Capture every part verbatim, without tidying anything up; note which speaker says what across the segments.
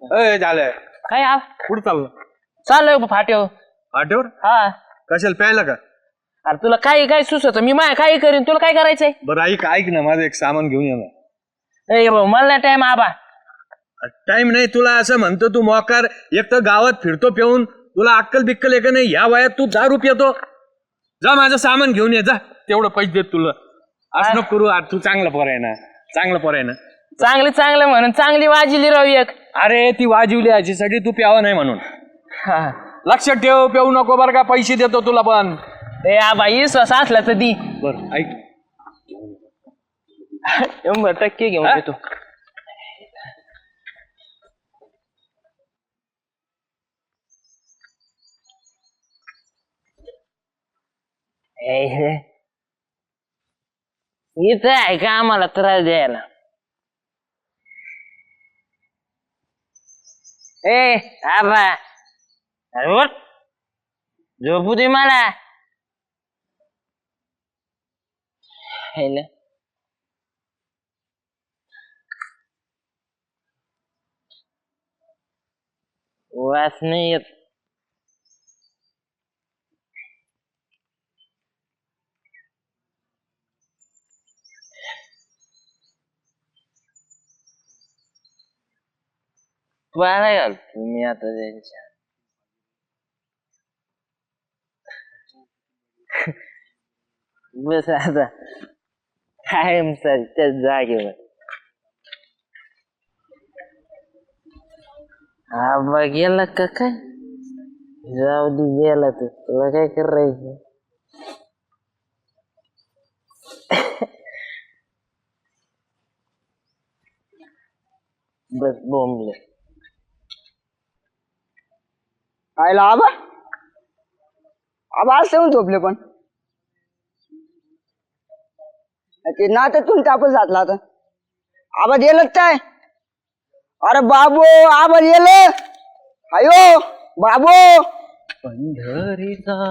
Speaker 1: अय झालंय
Speaker 2: काय आ
Speaker 1: कुठं चाललं?
Speaker 2: चाललोय फाट्यावर.
Speaker 1: फाट्यावर
Speaker 2: हा
Speaker 1: कशाला प्यायला का?
Speaker 2: अरे तुला काय काय सुचत मी माय काय करीन तुला काय करायचंय?
Speaker 1: बरं ऐक ऐक ना माझं एक सामान घेऊन येणार.
Speaker 2: ए भाऊ मला नाही टाइम आबा.
Speaker 1: टाइम नाही तुला असं म्हणतो तू मोकार एक तर गावात फिरतो पिऊन तुला अक्कल बिक्कल आहे का नाही? या वयात तू दारू पितो. जा माझं सामान घेऊन ये जा तेवढं पैसे देत तुला. असं नको करू तू चांगला पोर आहे ना चांगला पोर आहे ना.
Speaker 2: चांगली चांगलं म्हणून चांगली वाजिली राहू एक.
Speaker 1: अरे ती वाजवली याच्यासाठी तू प्यावा नाही म्हणून.
Speaker 2: हा
Speaker 1: लक्षात ठेव पिऊ नको बरं का पैसे देतो तुला पण.
Speaker 2: ए आबा विश्वास असला तर दी.
Speaker 1: बरं ऐक
Speaker 2: शंभर टक्के घेऊन येतो. इथं आहे का आम्हाला त्रास द्यायला? ए आबा अरे उठ. झोपू दे मला. हेला वास नाही येत. पाला घाल तुम्ही आता त्यांच्या. बस आता कायम सर त्या जागेवर. आबा गेला का काय? जाऊ दे गेला तर तुला काय करायचं? बस बोंबले.
Speaker 3: आयला आबा आबा असं झोपले पण ते ना तर तुमच्या आपण जातला आता आबा गेलं काय? अरे बाबू आबा गेलं. अयो बाबू
Speaker 2: पंढरीचा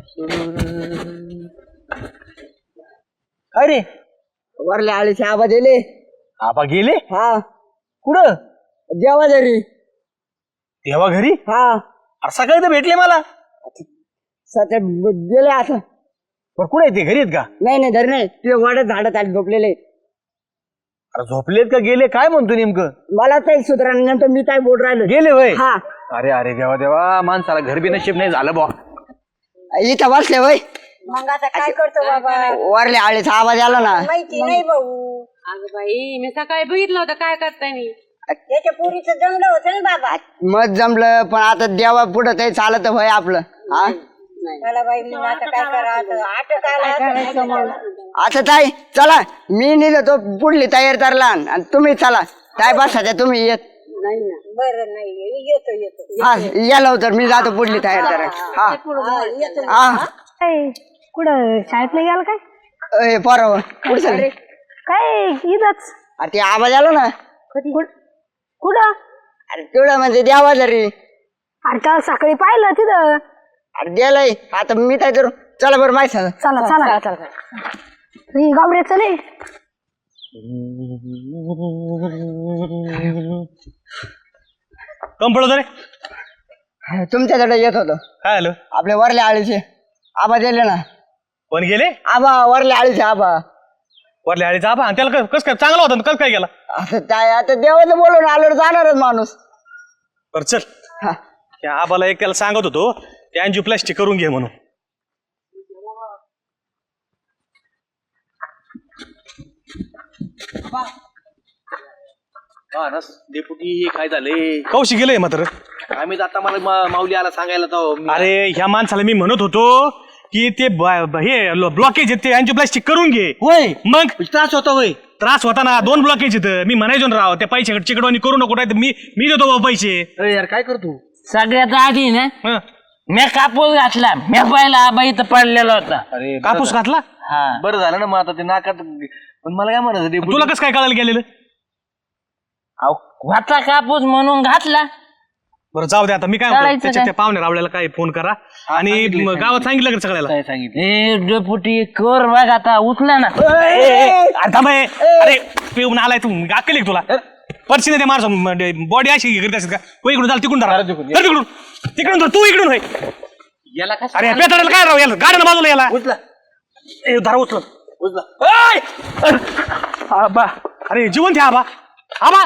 Speaker 3: अरे वरले आळीचे आबा दिले.
Speaker 1: आबा गेले
Speaker 3: हा
Speaker 1: कुठं?
Speaker 3: जेवा जरी
Speaker 1: तेव्हा घरी
Speaker 3: हा
Speaker 1: अरे सकाळी तर भेटले मला.
Speaker 3: सध्या गेले असं.
Speaker 1: पण कुठे ते घरी आहेत का?
Speaker 3: नाही नाही धर नाही ते वाड्यात झाडात आले झोपलेले.
Speaker 1: अरे झोपलेत का गेले काय म्हणतो नेमकं?
Speaker 3: मला काही सुधारल्यानंतर मी काय बोल राहिलो.
Speaker 1: गेले वय.
Speaker 3: हा
Speaker 1: अरे अरे देवा देवा माणसाला घर बी नशीब नाही झालं बा.
Speaker 3: इथं बसले वय.
Speaker 4: मग आता काय करतो बाबा?
Speaker 3: वरले आळीचा आवाज आला ना.
Speaker 4: माहिती नाही भाऊ.
Speaker 5: अगं बाई मी सकाळी बघितलं होतं काय करताय मी.
Speaker 4: त्याच्या पुरीचं जमलं होतं ना बाबा.
Speaker 3: मत जमलं पण आता देवा पुढं काही चालत होय आपलं. हा
Speaker 4: मला बाई मग आता काय करावं? आटक आला
Speaker 3: आता ताई चला मी नेलं तो पुढली तयार करला आणि तुम्ही चला काय बसायच्या तुम्ही येत
Speaker 4: नाही ना. बरं नाही येतो येतो.
Speaker 3: हा या लवकर मी जातो पुढली तयार करा. हा हा
Speaker 6: कुठं शाळेत नाही गेला काय?
Speaker 3: ए पोरावं पुढे चालले
Speaker 6: काय इथंच.
Speaker 3: अरे ते आवाज आला ना.
Speaker 6: कुठं?
Speaker 3: अरे तेवढं म्हणजे द्यावा जरी.
Speaker 6: अरे काल सकाळी पाहिलं तिथं.
Speaker 3: अरे द्यालाय आता मी काय करू? चला बरं माहिती सांगा.
Speaker 6: चला चला चला गावड्या चले.
Speaker 1: कम पडतो रे
Speaker 3: तुमच्याकडे येत होतो.
Speaker 1: काय आलं?
Speaker 3: आपले वरले आळीचे आबा दिले ना.
Speaker 1: पण गेले
Speaker 3: आबा वरले आळीचे आबा.
Speaker 1: वरल्या आळीचा आबा आणि त्याला कस काय चांगला होता कस काय गेला?
Speaker 3: असं काय आता देवाचं बोलून आलो जाणारच माणूस.
Speaker 1: बर चल
Speaker 3: हा
Speaker 1: त्या आबाला एक त्याला सांगत होतो ते अँजिओप्लास्टी करून घे म्हणून.
Speaker 7: डेप्युटी काय झाले?
Speaker 1: कौशी गेलंय मात्र.
Speaker 7: आम्ही आता मला मा- माऊली आला सांगायला तो
Speaker 1: अरे ह्या माणसाला मी म्हणत होतो की ते ब- हे ब्लॉकेज ते अँजिओप्लास्टी करून घे.
Speaker 7: होय
Speaker 1: मग
Speaker 7: त्रास होता होय.
Speaker 1: त्रास होता ना दोन ब्लॉकेज येतं. मी म्हणायचो ना राव त्या पैसे चिकडवानी करू नको नाही तर मी मी देतो बाबा पैसे.
Speaker 7: अरे यार काय करतो?
Speaker 2: सगळ्यात आधी ना
Speaker 1: हं.
Speaker 2: मी कापूस घातला. मी पाहिला आबा इथं पडलेला होता.
Speaker 7: अरे
Speaker 1: कापूस घातला?
Speaker 2: हा
Speaker 7: बरं झालं ना मग आता ते नाकात. पण मला काय म्हणायचं डेप्युटी?
Speaker 1: तुला कसं काय कळायला गेलेलं?
Speaker 2: अहो, होता कापूस म्हणून घातला.
Speaker 1: बरं जाऊ दे आता मी काय म्हणतो,
Speaker 2: करायचं
Speaker 1: त्याच्या
Speaker 2: काय?
Speaker 1: त्या पाहुण्या रावल्याला काय फोन करा आणि
Speaker 7: सांगितलंय,
Speaker 1: म- गावात सांगितलं का सगळ्याला?
Speaker 7: काय सांगितलं?
Speaker 2: ए डेपुटी कर बघ आता उठला ना.
Speaker 1: ए, ए, अरे थांब ए. अरे पिऊन आलाय तू गाकली तुला.
Speaker 8: पर्सीने ते माणसं बॉडी अशी करीत असेल का तो इकडून झाला तिकडून धरा धर तिकडून तिकडून धर तू इकडून होय
Speaker 7: याला काय
Speaker 8: अरे पेटायला काय राव याला गाड्यानं बाजूला याला
Speaker 7: उचला
Speaker 8: ए धरा उचल
Speaker 7: उचला
Speaker 8: ओय! आबा अरे जीवन ठे आबा आबा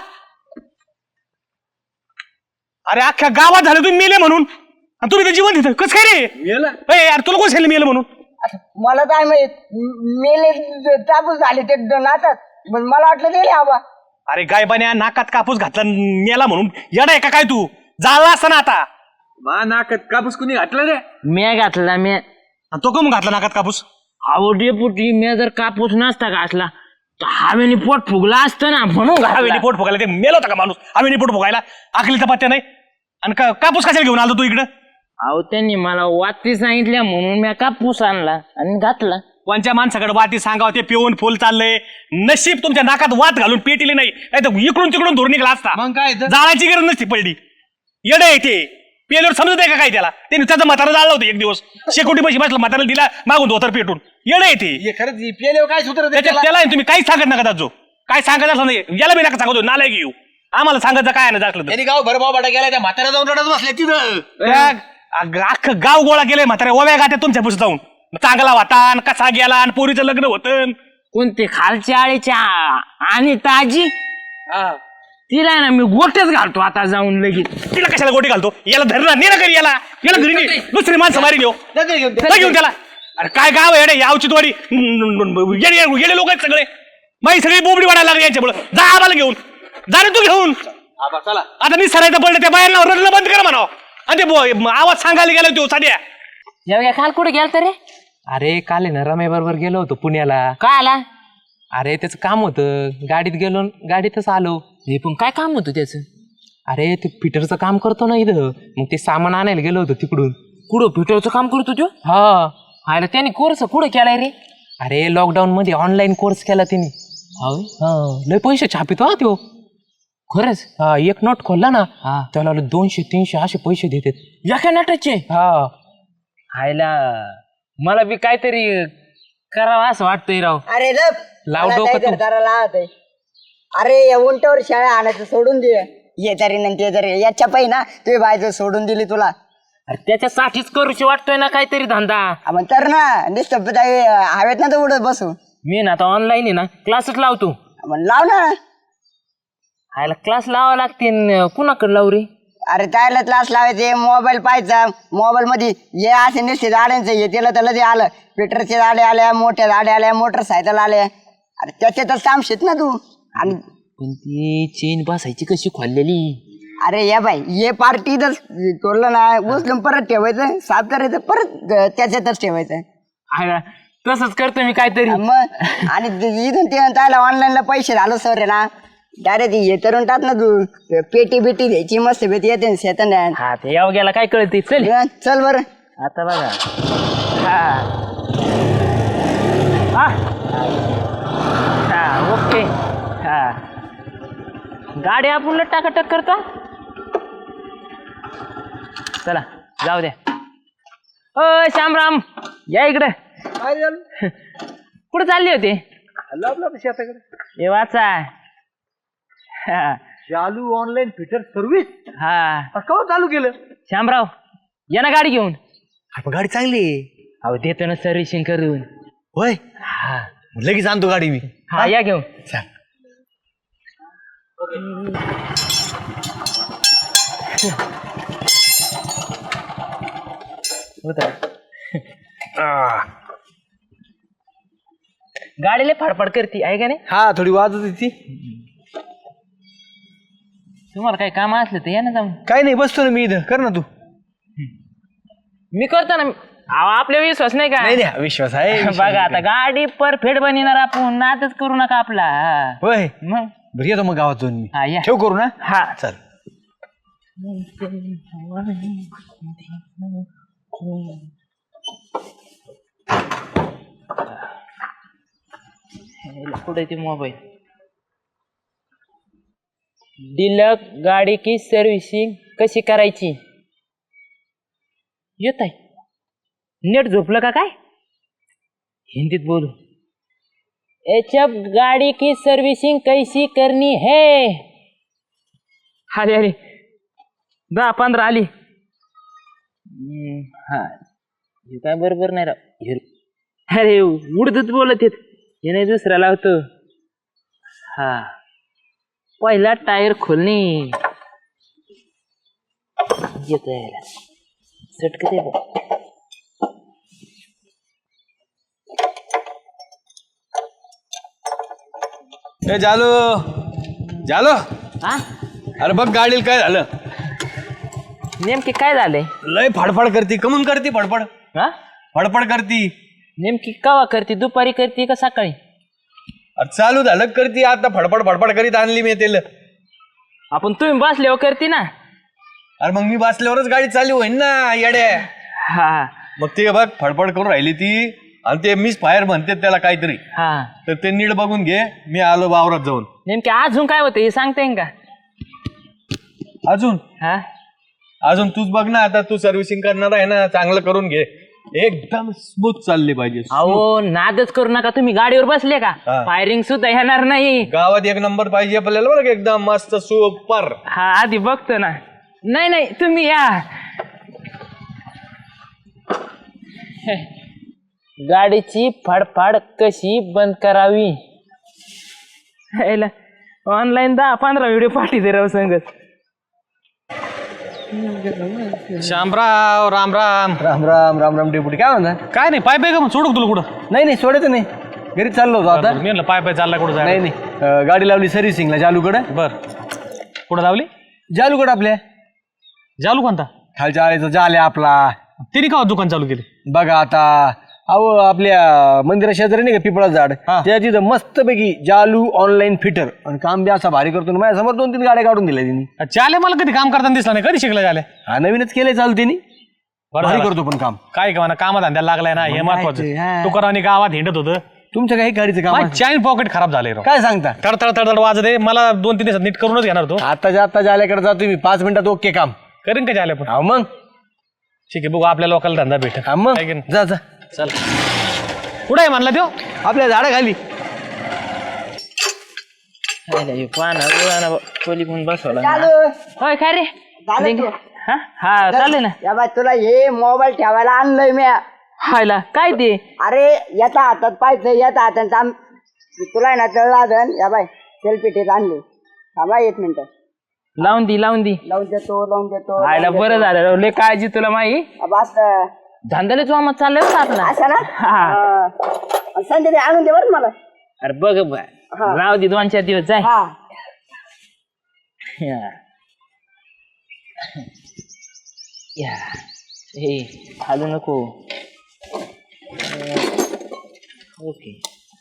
Speaker 8: अरे अख्ख्या गावात झालं तुम्ही मेले म्हणून आणि तुम्ही ते जीवन तिथं कसं काय रे
Speaker 1: मेला
Speaker 8: ए यार तुला कोण सांगितलं मेलं म्हणून
Speaker 3: मला काय माहित म- मेले तापूस झाले ते ड- नातात पण मला वाटलं गेले आबा.
Speaker 8: अरे गायबाने नाकात कापूस घातला न मेला म्हणून येडा आहे का काय तू झाला असता ना आता
Speaker 1: मा नाकात कापूस कुणी घातला रे
Speaker 2: मी घातला मी
Speaker 8: आणि तो कम घातला नाकात कापूस
Speaker 2: अहो डेपुटी मी जर कापूस नसता घातला तर हवेने पोट फुगला असतं ना म्हणून
Speaker 8: हवेने
Speaker 2: घातला.
Speaker 8: पोट फुगायला ते मेला होता का माणूस हवेने पोट फुगायला आखलीचा पत्त्या नाही आणि का- कापूस कशाला घेऊन आलो तू इकडं
Speaker 2: अहो त्यांनी मला वाती सांगितल्या म्हणून मी कापूस आणला आणि घातला.
Speaker 8: कोणच्या माणसाकडे वाटी सांगावं ते पिऊन फुल चाललंय नशीब तुमच्या नाकात वात घालून पेटिली नाही नाही तर इकडून तिकडून धुर निघला असता
Speaker 7: मग काय तर?
Speaker 8: जाळाची गरज नसती पडली येडं आहे ते पेल्यावर समजत आहे का काय त्याला त्याने त्याचं म्हातारा जाळलं होतं एक दिवस शेकोटी पैसे बसला म्हातारा दिला मागून धोतर पेटून येडं आहे ते
Speaker 7: हे खरंच पेल्यावर काय सूत्र
Speaker 8: त्याच्यात त्याला आहे, तुम्ही काहीच सांगत नका दाजो काय सांगत असलं नाही याला मी नका सांगतो नाला घेऊ आम्हाला सांगायचं काय नाही जातलं तर.
Speaker 7: त्यांनी गाव भरभाव बाटा गेला त्या म्हातारा जाऊन रडत बसल्या तिथं
Speaker 8: त्या अग- अख्खं गाव गोळा केलंय म्हाताऱ्या ओव्या गात्या तुमच्या पुढे जाऊन चांगला वातान कसा गेला आणि पोरीचं लग्न होतं
Speaker 2: कोणते खालच्या आळीच्या आणि ताजी तिला ना मी गोटच घालतो आता जाऊन लगेच.
Speaker 8: तिला कशाला गोटी घालतो याला धरला नेला करी याला याला घरी ने. दुसरी माणसं मारी घेऊ
Speaker 7: नका घेऊन ते.
Speaker 8: जा घेऊन त्याला अरे काय गाव आहे रे यावची द्वारी गेले लोक आहेत सगळे माई सगळी बोबडी वाढायला लागली यांच्यामुळे जा आम्हाला घेऊन जा रे तू घेऊन
Speaker 7: आबा चला
Speaker 8: आता मी सरायचं पडलं त्या बायांना रडणं बंद करा म्हणा आणि ते बो- आवाज सांगायला गेला तो साध्या
Speaker 2: एवढ्या काल कुठे गेल रे
Speaker 9: अरे काल आहे ना रमे बरोबर गेलो होतो पुण्याला.
Speaker 2: काय आला
Speaker 9: अरे त्याचं काम होतं गाडीत गेलो न गाडीतच आलो.
Speaker 2: हे पण काय काम होतं त्याचं.
Speaker 9: अरे ते फिटरचं काम करतो ना इथं मग ते सामान आणायला गेलो होतो तिकडून.
Speaker 2: कुठं फिटरचं काम करतो तो.
Speaker 9: हा
Speaker 2: आयला त्याने कोर्स कुठं केलाय रे.
Speaker 9: अरे लॉकडाऊन मध्ये ऑनलाईन कोर्स केला तिने. हा लय पैसे छापितो हा त्यो
Speaker 2: खरंच.
Speaker 9: हा एक नोट खोलला ना
Speaker 2: हा
Speaker 9: त्याला दोनशे तीनशे असे पैसे देतात.
Speaker 2: एका नटाचे.
Speaker 9: हा
Speaker 2: आयला मला बी काहीतरी करावं असं वाटतंय राव.
Speaker 3: अरे लप
Speaker 9: लाव
Speaker 3: मला
Speaker 9: डोकं
Speaker 3: काय
Speaker 9: तू.
Speaker 3: करताना लावत आहे. अरे या उंटावर शाळा आणायचं सोडून दे ये तरी नंतर तरी याच्या पायी ना तुझी बायचं सोडून दिली तुला.
Speaker 2: अरे त्याच्यासाठीच करूशी वाटतोय ना काहीतरी धंदा.
Speaker 3: हा, मग तर ना निस्तप हवेत ना तर उडत बसू.
Speaker 2: मी ना आता ऑनलाईन आहे ना क्लासच लावतो.
Speaker 3: मग लाव ना.
Speaker 2: आयला क्लास लावा लागते न कुणाकडे लावू रे.
Speaker 3: अरे त्याला क्लास लावायचे मोबाईल पाहायचा मोबाईल मध्ये हे असे निश्चित गाड्यांचं हे त्याला त्याला ते आलं पेट्रोलचे गाड्या आल्या मोठ्या गाड्या आल्या मोटरसायकल आल्या. अरे त्याच्यातच काम शेत ना तू. आणि
Speaker 2: पण ती चेन बसायची कशी खोललेली.
Speaker 3: अरे या बाई ये पार्टी तर तोडलं ना उचलून परत ठेवायचं साफ करायचं परत त्याच्यातच ठेवायचं.
Speaker 2: आयला तसंच करतो मी काहीतरी.
Speaker 3: मग आणि इथून ते त्याला ऑनलाईनला पैसे झालो सर रे ना डायरेक्ट हे करून टाक ना तू पेटी बिटी द्यायची मस्त भेटी येते शेतात.
Speaker 2: हा ते यावं गेला काय कळते. चल
Speaker 3: चल बरं.
Speaker 2: आता बघा. हा हा हा ओके. हा गाडी आपण टाकाटक करता. चला जाऊ द्या. ओ श्यामराम या इकडे. कुठे चालले होते. हे वाचा. हा
Speaker 7: चालू ऑनलाईन फिटर सर्व्हिस
Speaker 2: हा
Speaker 7: का चालू केलं
Speaker 2: श्यामराव या ना गाडी घेऊन.
Speaker 7: आपण गाडी चांगली आहे.
Speaker 2: अहो देतो ना सर्व्हिसिंग करून.
Speaker 7: होय
Speaker 2: हा
Speaker 7: लगेच आणतो गाडी मी.
Speaker 2: हा या घेऊन.
Speaker 7: सांग
Speaker 2: गाडीला फाडफाड करते आहे का नाही.
Speaker 7: हा थोडी वाजत होती.
Speaker 2: तुम्हाला काही काम असलं तर या ना जाऊन.
Speaker 7: काय नाही बसतो ना मी इथं कर ना तू.
Speaker 2: मी करतो ना. अहो, आपल्या विश्वास नाही का.
Speaker 7: नाही नाही विश्वास आहे विश्वास
Speaker 2: बघा
Speaker 7: आहे.
Speaker 2: आता गाडी परफेक्ट बनणार आपण नादच करू नका आपला. हा.
Speaker 7: होय
Speaker 2: मग
Speaker 7: बरं येतो मग गावात जाऊन मी.
Speaker 2: हा या.
Speaker 7: ठेव करू ना.
Speaker 2: हा
Speaker 7: चल
Speaker 2: कुठे ते मोबाईल. डिलक गाडी की सर्व्हिसिंग कशी करायची. येत आहे. नेट झोपलं का काय. हिंदीत बोलू. एच एफ गाड़ी की सर्विसिंग कैसी करनी है अरे अरे दहा पंधरा आली. हम्म, हा हे काय बरोबर नाही राव. हे- अरे उडतच बोलत येत हे नाही दुसरा लावतो. हा पहिला टायर खोलणे येत चटक ते
Speaker 1: ए जालो जालो
Speaker 2: हा
Speaker 1: अरे बघ गाडीला काय झालं.
Speaker 2: नेमकी काय झालंय.
Speaker 1: लय फडफड करती कमून करती फडफड
Speaker 2: हा
Speaker 1: फडफड करती.
Speaker 2: नेमकी कवा करते दुपारी करते का सकाळी.
Speaker 1: अरे चालू झालं करती आता फडफड फडफड करीत आणली मी तेल.
Speaker 2: आपण तुम्ही बसल्यावर करते ना.
Speaker 1: अरे मग मी बसल्यावरच गाडी चालू होईन ना येड्या.
Speaker 2: हा
Speaker 1: मग ते बघ फडफड करून राहिली ती आणि ते मिस फायर म्हणते त्याला काहीतरी.
Speaker 2: हा
Speaker 1: तर ते नीट बघून घे. मी आलो वावरात जाऊन.
Speaker 2: नेमकी अजून काय होतं हे सांगता येईन का.
Speaker 1: अजून
Speaker 2: हा
Speaker 1: अजून तूच बघ ना आता तू सर्व्हिसिंग करणार आहे ना चांगलं करून घे. एकदम स्मूथ चालली पाहिजे.
Speaker 2: अहो नादच करू नका तुम्ही गाडीवर बसले का
Speaker 1: हा.
Speaker 2: फायरिंग सुद्धा येणार नाही.
Speaker 1: गावात एक नंबर पाहिजे आपल्याला बरं का, एकदम मस्त सुपर.
Speaker 2: हा आधी बघतो ना. नाही नाही तुम्ही या. हे, गाडीची फाडफाड कशी बंद करावी. ऑनलाईन दहा पंधरा व्हिडिओ पाठीते राव संगत.
Speaker 8: शामराव राम राम.
Speaker 7: राम राम राम राम डेपुटी काय म्हणता.
Speaker 8: काय नाही पाय पाय का मग सोडू तुला कुठं.
Speaker 7: नाही नाही सोडायचं नाही घरी चाललो होतो आता.
Speaker 8: मी म्हणलं पाय पाय चालला कुठं जाय.
Speaker 7: नाही नाही अं, गाडी लावली सर्व्हिसिंगला जालूकडे.
Speaker 8: बर कुठं लावली.
Speaker 7: जालूकडे आपल्या
Speaker 8: जालू कोणता.
Speaker 7: खालच्या आळीचा जाल आहे आपला.
Speaker 8: तिने का दुकान चालू केले.
Speaker 7: बघा आता अहो आपल्या मंदिरा शेजारी नाही का पिपळाचं झाड
Speaker 8: हा.
Speaker 7: त्या तिथं मस्तपैकी जालू ऑनलाईन फिटर आणि काम बी असा भारी करतो. माझ्या समोर दोन तीन गाड्या काढून दिल्या तिने.
Speaker 8: चाले मला कधी काम करताना दिसला नाही. कधी शिकला चाले.
Speaker 7: हा नवीनच केलंय चालू तिने.
Speaker 8: बरं
Speaker 7: भारी
Speaker 8: झालं.
Speaker 7: करतो पण काम.
Speaker 8: काय का म्हणा कामा धंद्याला लागलाय ना हे
Speaker 7: मग काय ते,
Speaker 8: महत्वाचं.
Speaker 7: हा.
Speaker 8: तुकारावानी गावात हिंडत होतं.
Speaker 7: तुमच्या काही गाडीचं काम आहे?
Speaker 8: चॅन पॉकेट खराब झाले राव.
Speaker 7: काय सांगता.
Speaker 8: तडतड तडतड वाजत आहे. मला दोन तीन दिवसात नीट करूनच घेणार तो.
Speaker 7: आताच्या आता जाल्याकडे जातो मी पाच मिनिटात ओके काम.
Speaker 8: करीन का झाले पण.
Speaker 7: हा मग
Speaker 8: ठीक आहे बघू आपल्या लोकांना धंदा भेट.
Speaker 7: हा मग जा जा
Speaker 8: चल कुठे आहे म्हणला तो.
Speaker 7: आपल्या झाडाखाली.
Speaker 2: खोली पण बसवला.
Speaker 3: चालू
Speaker 2: होय काय रे.
Speaker 3: झालं तू.
Speaker 2: हा हा चालेल ना.
Speaker 3: या बाय तुला हे मोबाईल ठेवायला आणलंय मी.
Speaker 2: हायला काय ते.
Speaker 3: अरे याचा हातात पाहिजे याचा हातात थांब. तुला आहे ना तळला धन या बाय सेल्फी टेप आणली. थांबा एक मिनिट
Speaker 2: लावून दी लावून दी.
Speaker 3: लावून देतो लावून देतो.
Speaker 2: हायला बरं झालं राव. लय काळजी तुला माही.
Speaker 3: बस
Speaker 2: धंद्याला जोमात चाललंय बरं आपला.
Speaker 3: असं ना
Speaker 2: हा.
Speaker 3: हा. संध्याकाळी आणून दे बरं मला.
Speaker 2: अरे बघ बघ. राहू दे दोन चार दिवस जाय.
Speaker 3: हा
Speaker 2: या. या. हे हालू नको. ओके.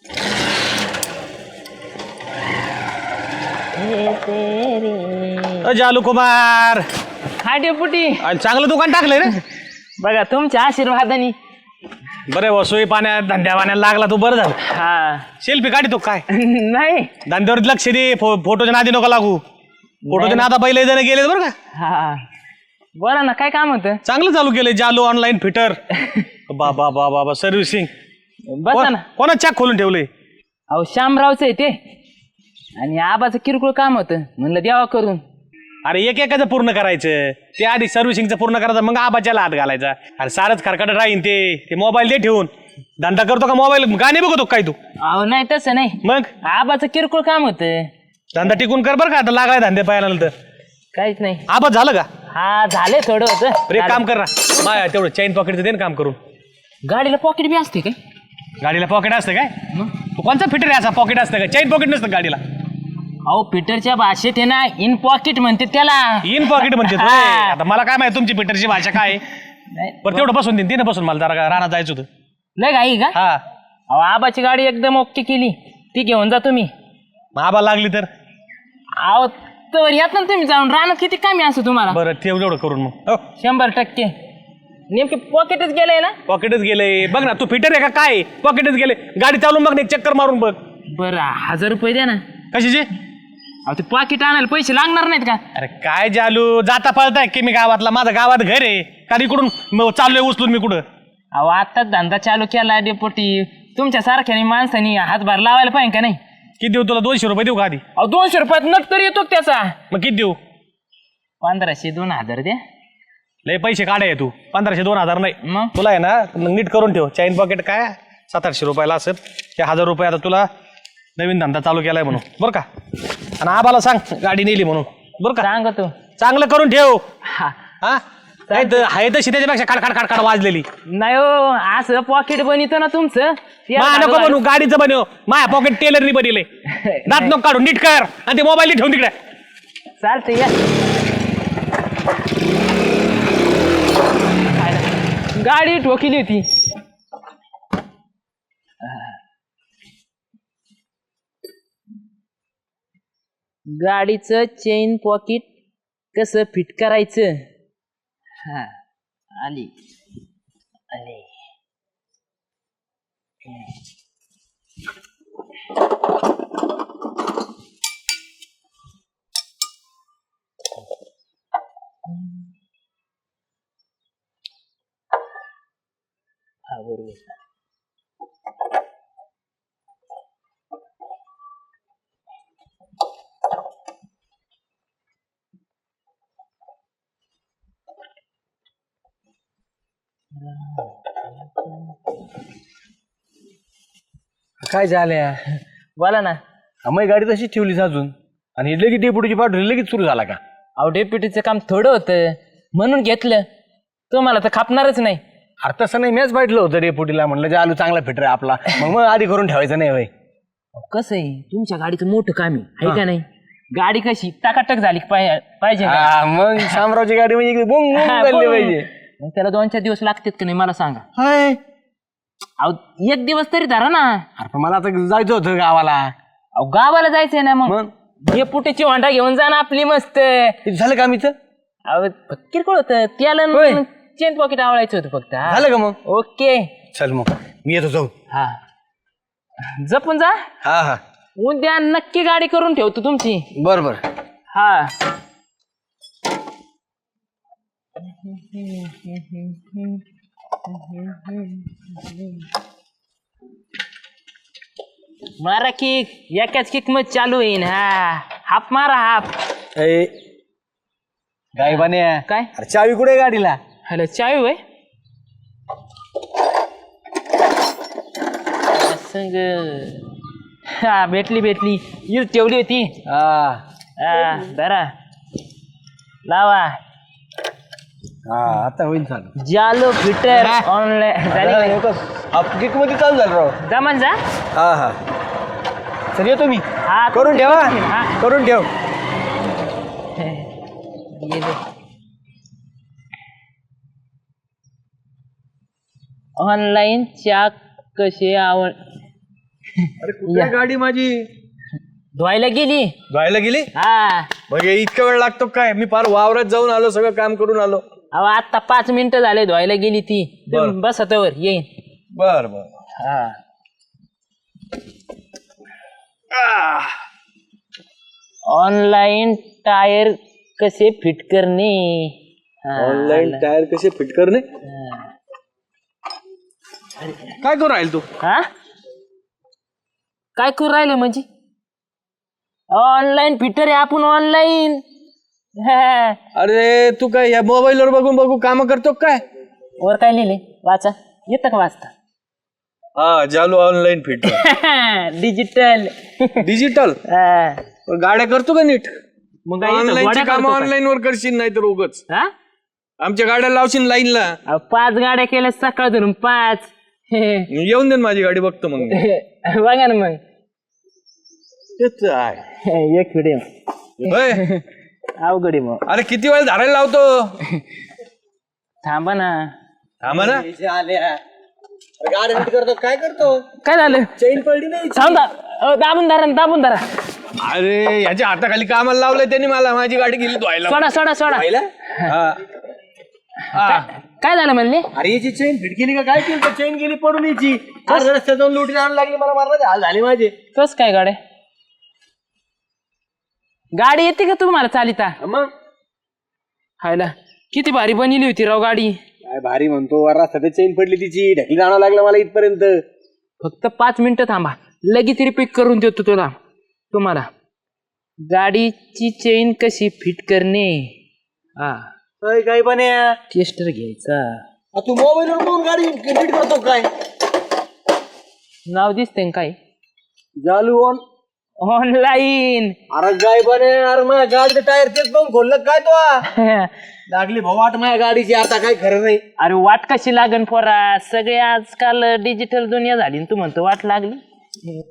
Speaker 8: अ, जालू कुमार
Speaker 2: हा डेपुटी.
Speaker 8: अरे, चांगलं दुकान टाकलंय रे.
Speaker 2: बघा तुमच्या आशीर्वादाने.
Speaker 8: बरे वसोई पाण्यात धंद्या पाण्याला लागला तू बरं झालं.
Speaker 2: हा
Speaker 8: सेल्फी काढी तो काय
Speaker 2: नाही.
Speaker 8: धंद्यावर लक्ष दे. फो- फोटोच्या नादी नको लागू. फोटोच्या नादा पहिले जण गेले बरं का.
Speaker 2: हा बोला ना काय काम होतं.
Speaker 8: चांगलं चालू केलंय जालू ऑनलाईन फिटर. बाबा बाबा बाबा सर्व्हिसिंग.
Speaker 2: बसा ना.
Speaker 8: कोणा चॅक खोलून ठेवलंय.
Speaker 2: अहो श्यामरावचं आहे ते. आणि आबाचं किरकोळ काम होतं म्हणलं द्यावा करून.
Speaker 8: अरे एक एकाचं पूर्ण करायचं. ते आधी सर्व्हिसिंगचं पूर्ण करायचं मग आबाच्याला हात घालायचा. अरे सारच खरकट राहीन ते ते मोबाईल दे ठेवून. धंदा करतो का मोबाईल गाणे बघतो काय तू.
Speaker 2: अहो नाही तसं नाही.
Speaker 8: मग
Speaker 2: आबाचं किरकोळ काम होतं.
Speaker 8: धंदा टिकून कर बरं का आता लागाय धंदे पाहायला नंतर.
Speaker 2: काहीच नाही.
Speaker 8: आबाद झालं का.
Speaker 2: हा झाले थोडं होतं.
Speaker 8: अरे एक काम कर ना माया तेवढं चैन पॉकेटचं दे ना काम करून.
Speaker 2: गाडीला पॉकेट बी असते काय.
Speaker 8: गाडीला पॉकेट असतं काय. तू कोणचा फिटर आहे असा पॉकेट असतं का चैन पॉकेट नसतं गाडीला.
Speaker 2: अहो फिटरच्या भाषेत आहे ना इन पॉकेट म्हणते त्याला.
Speaker 8: इन पॉकेट म्हणते तू.
Speaker 2: हा.
Speaker 8: आता मला काय माहिती तुमची फिटरची भाषा काय आहे.
Speaker 2: नाही,
Speaker 8: बरं तेवढं बसून देईन तिनं बसून मला जरा रानात जायचं होतं.
Speaker 2: लय घाई का.
Speaker 8: हा
Speaker 2: अहो आबाची गाडी एकदम ओके केली. ती घेऊन जा तुम्ही.
Speaker 8: मग आबा लागली तर.
Speaker 2: अहो तर यात ना तुम्ही जाऊन राहणं किती कमी असं तुम्हाला.
Speaker 8: बरं ठेव एवढं करून मग. हो
Speaker 2: शंभर टक्के. नेमके पॉकेटच गेलंय ना.
Speaker 8: पॉकेटच गेले बघ ना. तू फिटर आहे का काय. पॉकेटच गेले. गाडी चालून बघ ना एक चक्कर मारून बघ.
Speaker 2: बरं हजार रुपये द्या ना.
Speaker 8: कशाचे.
Speaker 2: अहो ते पॉकेट आणायला पैसे लागणार नाहीत का.
Speaker 8: अरे काय जालू जाता पळताय की मी गावातला. माझं गावात घर आहे का इकडून म- चाललोय उचलून मी कुठं.
Speaker 2: अहो आत्ताच धंदा चालू केला डेपोटी. तुमच्या सारख्याने माणसानी हातभार लावायला पाहिजे का नाही.
Speaker 8: किती देऊ तुला दोनशे रुपये देऊ का आधी.
Speaker 2: अहो दोनशे रुपयात नट तरी येतो का त्याचा.
Speaker 8: मग किती देऊ.
Speaker 2: पंधराशे दोन हजार द्या
Speaker 8: लय पैसे काढाय तू पंधराशे दोन हजार नाही
Speaker 2: मग
Speaker 8: तुला आहे ना नीट करून ठेव चैन पॉकेट काय सात आठशे रुपयाला असेल ते हजार रुपये आता तुला नवीन धंदा चालू केलाय म्हणून बरं का आणि आबाला सांग गाडी नेली म्हणून बरं का
Speaker 2: सांग तू
Speaker 8: चांगलं करून ठेव
Speaker 2: हा
Speaker 8: हा नाही तर आहे तशी त्याच्यापेक्षा खाडखाड खाडखाड वाजलेली
Speaker 2: नाही हो असं पॉकेट बनवतो ना तुमचं ते
Speaker 8: मा
Speaker 2: आता
Speaker 8: नको बनवू गाडीचं बनव माया पॉकेट टेलरनी बनले दात नको काढून नीट कर आणि ते मोबाईल ठेवून तिकडे
Speaker 2: चालतंय या गाडी ठोकिली होती गाडीचं चेन पॉकेट कसं फिट करायचं हा आली आली हा बरोबर
Speaker 7: काय झाल्या
Speaker 2: बोला ना
Speaker 7: आम्ही गाडी तशीच ठेवलीस अजून आणि लगेच डेपुटीची पाठवली लगेच सुरू झाला का
Speaker 2: अहो डेप्युटीचं काम थोडं होतं म्हणून घेतलं तुम्हाला तर खापणारच नाही
Speaker 7: अरे तसं नाही मॅच पाठलं होतं डेपुटीला म्हणलं जे आलू चांगला फिटर आहे आपला मग मग आधी करून ठेवायचं नाही भाई
Speaker 2: अहो, कसं आहे तुमच्या गाडीचं मोठं काम आहे है का नाही गाडी कशी टाकाटक झाली पाहि- पाहिजे का?
Speaker 7: हा, मग शामरावची गाडी म्हणजे इकडे बोंग बोंग
Speaker 2: हा,
Speaker 7: चालली
Speaker 2: बोल.
Speaker 7: पाहिजे
Speaker 2: मग त्याला दोन चार दिवस लागतात का नाही मला सांगा
Speaker 7: हाय
Speaker 2: अहो एक दिवस तरी धरा ना
Speaker 7: अरे पण मला आता जायचं होतं गावाला
Speaker 2: अहो गावाला जायचंय ना मग
Speaker 7: मग
Speaker 2: डेपुटीची होंडा घेऊन जा ना आपली मस्त
Speaker 7: किती झालं काम इथं
Speaker 2: अहो किरकोळ होतं त्याला
Speaker 7: होय.
Speaker 2: चेन पॉकेट आवडायचं होतं फक्त हा.
Speaker 7: झालं का मग
Speaker 2: ओके
Speaker 7: चल मग मी येतो जाऊ
Speaker 2: हा जपून जा
Speaker 7: हा हा
Speaker 2: उद्या नक्की गाडी करून ठेवतो तुमची
Speaker 7: बर बर
Speaker 2: हा मारा किक एकाच किक मध्ये चालू होईन हा हाप मारा हाप
Speaker 7: ए गाय बाने
Speaker 2: काय
Speaker 7: अरे चावी कुठे आहे गाडीला
Speaker 2: हॅलो चावी वय संग हा भेटली भेटली यूज ठेवली होती
Speaker 7: हा
Speaker 2: हा धरा लावा
Speaker 7: हा आता होईल चालू
Speaker 2: जालो फिटर ऑनलाईन
Speaker 7: अपकिक मध्ये चालू झालं राव
Speaker 2: जमान जा
Speaker 7: हा हा चल येतो मी
Speaker 2: हा
Speaker 7: करून ठेवा
Speaker 2: हा
Speaker 7: करून ठेव
Speaker 2: ऑनलाईन चाक कसे आवड
Speaker 1: अरे कुठे गाडी माझी
Speaker 2: धुवायला गेली
Speaker 1: धुवायला गेली
Speaker 2: हा
Speaker 1: मग हे इतका वेळ लागतो काय मी फार वावरात जाऊन आलो सगळं काम करून आलो
Speaker 2: अहो आता पाच मिनिटं झाले धुवायला गेली ती
Speaker 1: बरं.
Speaker 2: बस आता वर येईन
Speaker 1: बर बर
Speaker 2: हा ऑनलाईन टायर कसे फिट करणे हा,
Speaker 1: ऑनलाईन टायर कसे फिट करणे काय करू राहील तू
Speaker 2: हा काय करू राहिलं म्हणजे ऑनलाईन फिटर आहे आपण ऑनलाईन
Speaker 1: अरे तू काय या मोबाईल वर बघून बघू काम करतो काय
Speaker 2: वर काय लिहिले वाचा येतं का वाचता
Speaker 1: हा जालू ऑनलाईन फिट
Speaker 2: डिजिटल
Speaker 1: डिजिटल गाड्या करतो का नीट
Speaker 2: मग
Speaker 1: ऑनलाईनची काम ऑनलाईन वर करशील नाही तर उगच आमच्या गाड्या लावशील लाईनला
Speaker 2: पाच गाड्या केल्या सकाळ धरून पाच
Speaker 1: येऊन दे ना माझी गाडी बघतो मग मी.
Speaker 2: बघा ना मग
Speaker 1: तेच आहे
Speaker 2: एक व्हिडिओ
Speaker 1: होय.
Speaker 2: अवघड आहे मग
Speaker 1: अरे किती वेळ झाडायला लावतो
Speaker 2: थांबा ना
Speaker 1: थांबा ना
Speaker 7: गाडी नीट करतो काय करतो
Speaker 2: काय झालं
Speaker 7: चैन पडली नाही
Speaker 2: थांब दा- अ, दाबून धरा ना, दाबून धरा
Speaker 1: अरे याच्या हाताखाली कामाला लावलंय त्यांनी मला माझी गाडी गेली धुवायला
Speaker 2: सोडा सोडा सोडा
Speaker 1: हा. हा.
Speaker 2: काय झालं म्हणले
Speaker 7: अरे याची चैन फिट केली का काय केली चैन गेली पडून याची अरे रस्त्यात जाऊन लुटी आणायला लागली मला मारण्याचे हाल झाले माझे
Speaker 2: कस काय गाड्या गाडी येते का तुम्हाला चालिता
Speaker 7: मग
Speaker 2: हायला किती भारी बनवली होती राव गाडी
Speaker 7: काय भारी म्हणतो वर रस्त्यात चैन पडली तिची ढकली आणावं लागलं मला इथपर्यंत
Speaker 2: फक्त पाच मिनिटं थांबा लगेच रिपीट करून देतो तुला तुम्हाला गाडीची चेन कशी फिट करणे हा
Speaker 7: अय, काय पण आहे?
Speaker 2: टेस्टर घ्यायचा
Speaker 7: आ, तू मोबाईलवर पाहून गाडी नीट करतो काय?
Speaker 2: नाव दिसतंय काय
Speaker 7: जालू ऑन
Speaker 2: ऑनलाईन
Speaker 7: अरे काय पण आहे? अरे माझ्या गाडीचं टायर तेच पाहून खोललं काय तो हा? लागली भाऊ वाट माझ्या गाडीची आता काय खरं नाही.
Speaker 2: अरे वाट कशी लागन पोरा सगळे आजकाल डिजिटल दुनिया झाली न तू म्हणतो वाट लागली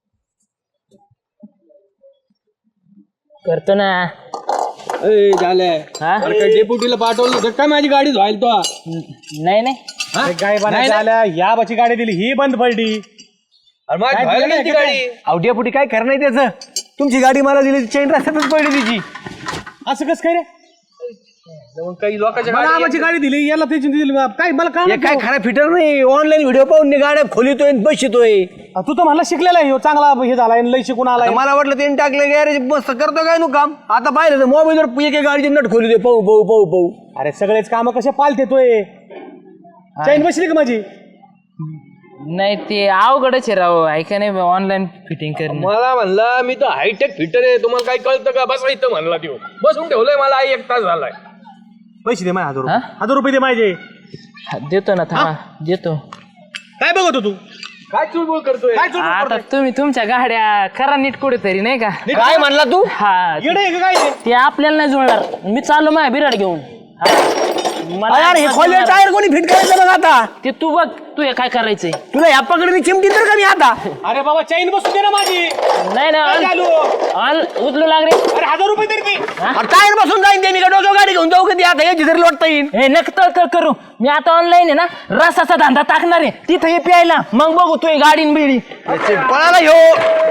Speaker 2: करतो ना
Speaker 1: ए, झालंय
Speaker 2: हा
Speaker 1: अरे काय डेप्युटीला पाठवलं होतं काय माझी गाडी धुवायला तो
Speaker 2: नाही नाही
Speaker 8: अरे गाय बनायला आल्या या बाची गाडी दिली ही बंद पडली.
Speaker 1: अरे माझी धुवायला नाही ती गाडी
Speaker 7: अवड्यापुटी काय खरं नाही त्याचं. तुमची गाडी मला दिली चेन रस्त्यातच पडली तिची.
Speaker 8: असं कसं काय रे
Speaker 1: मग काही लोकांच्या
Speaker 8: मला
Speaker 1: गाडी
Speaker 8: आबाची गाडी दिली याला त्याची दिली काय मला
Speaker 7: हे
Speaker 8: काय
Speaker 7: काय खरा फिटर नाही. ऑनलाईन व्हिडिओ पाहून मी गाड्या खोलितोय आणि बसतोय.
Speaker 8: तू तर मला शिकलेला आहे ह्यो, चांगला हे झालाय लय शिकून आलाय.
Speaker 7: आता मला वाटलं त्यांनी टाकलं गॅरेज मस्त करतो काय नु काम. आता पाहिलं तर मोबाईलवर एक एक गाडीची नट खोली पाहू पाहू पाहू पाहू.
Speaker 8: अरे सगळेच काम कसे पालते तोय चैन बसली का माझी.
Speaker 2: नाही ते अवघडच आहे राव ऐका नाही ऑनलाईन फिटिंग करणं
Speaker 1: मला म्हणला मी तर हायटेक फिटर आहे तुम्हाला काही कळतं का बसा इथं म्हणला देऊ बसून ठेवलंय मला एक तास झालाय.
Speaker 8: पैसे दे माझे हजार रुपये
Speaker 2: हा?
Speaker 8: हजार रुपये दे माझे.
Speaker 2: हा, देतो ना थांबा देतो
Speaker 8: काय बघतो तू
Speaker 1: काय चुळबुळ करतोय
Speaker 8: काय चुकलं
Speaker 2: आता तुम्ही तुमच्या गाड्या करा नीट कुठेतरी नाही का
Speaker 7: काय म्हणला तू?
Speaker 2: हा
Speaker 8: येडे आहे का काय ते?
Speaker 2: ते आपल्याला नाही जुळणार मी चाललो माझ्या बिराड घेऊन हा. मला
Speaker 7: अरे हे खोले टायर कोणी फिट करायचं बघ आता.
Speaker 2: ते तू बघ तू हे काय करायचंय
Speaker 7: तुला ह्या पकडली चिमटी तर का मी आता.
Speaker 8: अरे बाबा चैन बसू दे ना माझी.
Speaker 2: नाही
Speaker 8: काय
Speaker 2: नाही
Speaker 8: झालो?
Speaker 2: ऑन उचलू लागले
Speaker 8: अरे हजार रुपये तरी दे.
Speaker 7: टायर बसून जाईन ते मी का डोक्यावर गाडी घेऊन जाऊ कधी आता याची तरी लोटता येईल.
Speaker 2: हे नक तळ करू मी आता ऑनलाईन आहे ना रसाचा धंदा टाकणार आहे तिथं हे प्यायला मग बघू तू ही गाडी न बिडी
Speaker 7: पळाला ह्यो.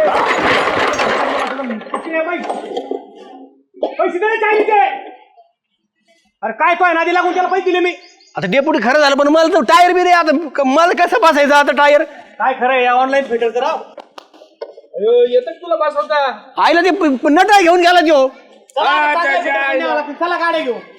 Speaker 8: पैसे दे रे चायनीचे. अरे काय तो आहे नादी लागून त्याला पैसे दिले मी.
Speaker 7: आता डेपुटी खरं झालं पण मला तर टायर बी रे आता क- मला कसं बसायचं आता टायर.
Speaker 8: काय खरं आहे ऑनलाईन फिटर करा.
Speaker 1: येतं का तुला बसवता
Speaker 7: आईला ते प- प- नटा घेऊन गेला त्यो.
Speaker 8: चला गाड्या घेऊ